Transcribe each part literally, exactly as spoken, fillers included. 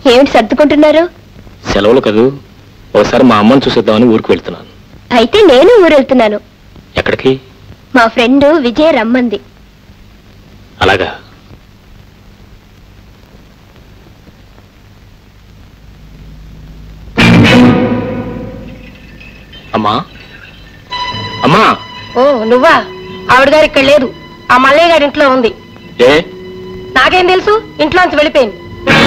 ఏమిటి సర్దుకుంటున్నారు? సెలవులు కదూ, ఒకసారి మా అమ్మని చూసేద్దామని ఊరికి వెళ్తున్నాను. అయితే నేను ఊరు వెళ్తున్నాను. ఎక్కడికి? మా ఫ్రెండ్ విజయ రమ్మంది. అలాగా? అమ్మా అమ్మా. ఓ నువ్వా? ఆవిడ గారు ఇక్కడ లేదు, ఆ మల్లయ్య గారి ఇంట్లో ఉంది. ఏ? నాకేం తెలుసు, ఇంట్లోంచి వెళ్ళిపోయింది.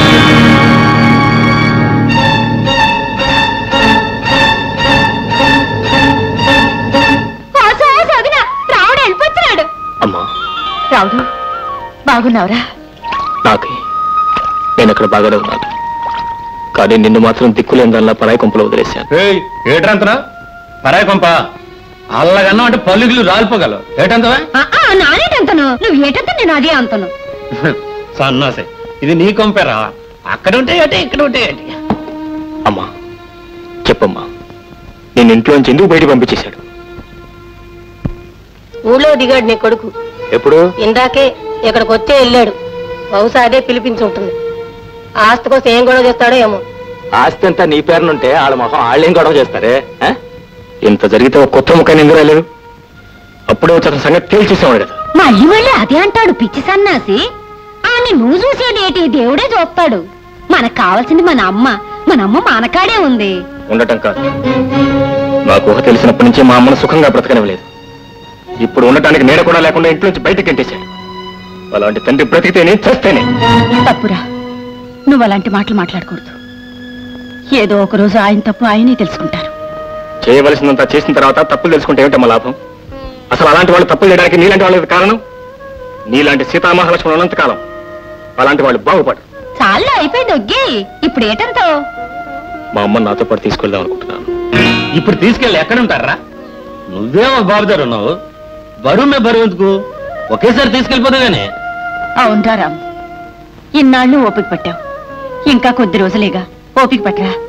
రావుడు వెళ్ళిపోతున్నాడు. అమ్మా. రావుడు బాగున్నావురా? నాకే నేను అక్కడ బాగానే ఉన్నాను, కానీ నిన్ను మాత్రం దిక్కులేని దానిలా పరాయి కొంపలో వదిలేశాను. ఏట్రంతనా పరాయి కొంప? అల్లగన్నా అంటే పల్లుగులు రాలిపోగలవు. ఏటంతవా? నానేటంతను, నువ్వు ఏటంత నేను అదే అంతను. సన్నాసే, ఇది నీ కొంపేరా. అక్కడ ఉంటే అంటే ఇక్కడ ఉంటే ఏంటి? అమ్మా చెప్పమ్మా, నేను ఇంట్లోంచి ఎందుకు బయట పంపించేశాడు? ఊళ్ళో దిగాడు నీ కొడుకు. ఎప్పుడు? ఇందాకే ఇక్కడికి వచ్చే వెళ్ళాడు. బహుశా అదే పిలిపించి ఉంటుంది. ఆస్తి కోసం ఏం గొడవ చేస్తాడో ఏమో. ఆస్తి అంతా నీ పేరునుంటే వాళ్ళ మొహం వాళ్ళేం గొడవ చేస్తారే? ఇంత జరిగితే ఒక కొత్త ముఖాన్ని ఎందుకు రాలేదు? అప్పుడే వచ్చి సంగతి తేల్చేసేవాడు కదా. మళ్ళీ మళ్ళీ అదే అంటాడు పిచ్చి సన్నాసి. అని నువ్వు చూసేదేటి, దేవుడే చూస్తాడు. మనకు కావాల్సింది మన అమ్మ. మన అమ్మ మనకాడే ఉంది. ఉండటం కాదు, నాకు ఊహ తెలిసినప్పటి నుంచి మా అమ్మను సుఖంగా బ్రతకనివ్వలేదు. ఇప్పుడు ఉండటానికి నీడ కూడా లేకుండా ఇంట్లో నుంచి బయటకు గంటేశాడు. అలాంటి తండ్రి బ్రతికితేనే చేస్తేనే. తప్పురా, నువ్వు అలాంటి మాటలు మాట్లాడకూడదు. ఏదో ఒక రోజు ఆయన తప్పు ఆయనే తెలుసుకుంటారు. చేయవలసినంత చేసిన తర్వాత తప్పులు తెలుసుకుంటే ఏమిటమ్మా లాభం? అసలు అలాంటి వాళ్ళు తప్పులు చేయడానికి నీలాంటి వాళ్ళకి కారణం. నీలాంటి సీతామహాలక్ష్మణులు ఉన్నంతకాలం అలాంటి వాళ్ళు బాగుపడరు. చాలా అయిపోయింది ఒగ్గి, ఇప్పుడు ఏటంతో? మా అమ్మ నాతో పాటు తీసుకెళ్దాం అనుకుంటున్నాను. ఇప్పుడు తీసుకెళ్ళి ఎక్కడ ఉంటారా? నువ్వేమో బాబుదారు ఉన్నావు, బరువు మే బరువు ఎందుకు? ఒకేసారి తీసుకెళ్ళిపోతాగానే. అవునరా రామ్, ఇన్నాళ్ళు ఓపిక పట్టావు, ఇంకా కొద్ది రోజులేగా ఓపిక పట్టరా.